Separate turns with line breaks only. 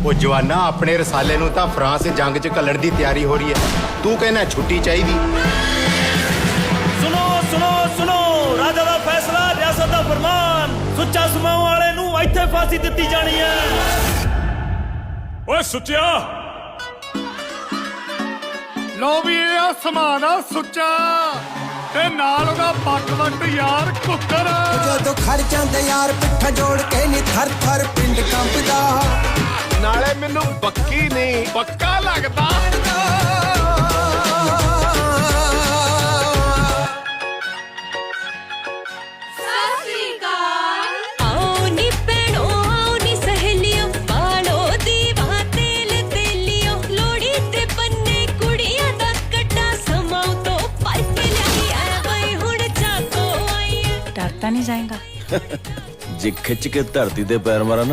ਉਹ ਜਵਾਨਾ ਆਪਣੇ ਰਸਾਲੇ ਨੂੰ ਤਾਂ ਫਰਾਂਸ ਜੰਗ 'ਚ ਘੱਲਣ ਦੀ ਤਿਆਰੀ ਹੋ ਰਹੀ ਹੈ, ਤੂੰ ਕਹਿੰਦਾ ਛੁੱਟੀ ਚਾਹੀਦੀ।
ਸੁਣੋ ਸੁਣੋ ਸੁਣੋ, ਰਾਜਾ ਦਾ ਫੈਸਲਾ, ਰਿਆਸਤ ਦਾ ਫਰਮਾਨ, ਸੁੱਚਾ ਸਮਾਉ ਵਾਲੇ ਨੂੰ ਇੱਥੇ ਫਾਂਸੀ ਦਿੱਤੀ ਜਾਣੀ ਹੈ।
ਓਏ ਸੁੱਚਿਆ,
ਲੋ ਵੀ ਇਹ ਸਮਾਨ ਆ ਸੁੱਚਾ ਤੇ ਨਾਲ ਉਹਦਾ ਪੱਕਵੰਟ ਯਾਰ ਕੁੱਕਰ।
ਜਦੋਂ ਖੜ ਜਾਂਦੇ ਯਾਰ ਪਿੱਠਾ ਜੋੜ ਕੇ ਨੀ ਥਰ ਥਰ ਪਿੰਡ ਕੰਬਦਾ,
ਨਾਲੇ ਮੈਨੂੰ ਬੱਕੀ ਨਹੀਂ ਪੱਕਾ ਲੱਗਦਾ।
डरता नहीं जाएगा।
जे खिंच के धरती ते पैर मारा ना